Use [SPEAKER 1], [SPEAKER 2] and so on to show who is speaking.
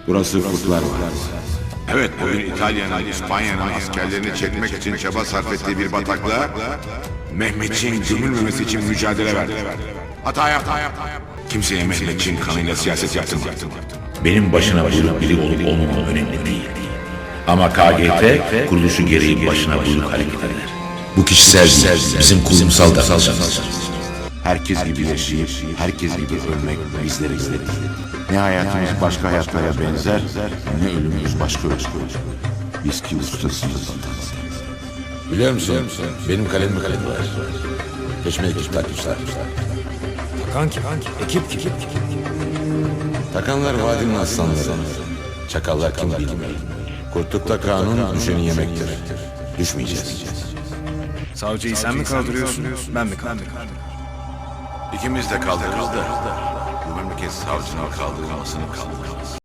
[SPEAKER 1] Burası Kurtlar Vadisi.
[SPEAKER 2] Evet, bugün İtalya'nın, İspanya'nın askerlerini çekmek için çaba sarf ettiği bir bataklığa Mehmetçiğin gömülmemesi için mücadele verdi. Hata yaptı. Kimseye Mehmetçiğin kanıyla siyaset yaptırmadı.
[SPEAKER 3] Benim başına buyruk biri olup olmamam önemli değil. Ama KGT kuruluşu gereği başına buyruk hareket eder. Bu kişisel değil, bizim kurumsal davranışımız.
[SPEAKER 1] Herkes gibi yaşayıp, herkes gibi ölmek bizlere göre. Ne hayatımız başka hayatlara benzer, ne ölümümüz başka ölüm. Biz ki ustasıyız.
[SPEAKER 3] Biliyor musun? Benim kalemim var. Peşime ekip takmışlar.
[SPEAKER 4] Kanki, ekip.
[SPEAKER 3] Takanlar vadinin aslanları. Çakallar kim bilmiyor. Kurtlukta kanun düşeni yemektir. Düşmeyeceğiz.
[SPEAKER 4] Savcıyı sen mi kaldırıyorsun, ben mi kaldırıyorum?
[SPEAKER 2] İkimiz de kaldırırız da bu memleket savcının kaldırılmasını kaldırırız.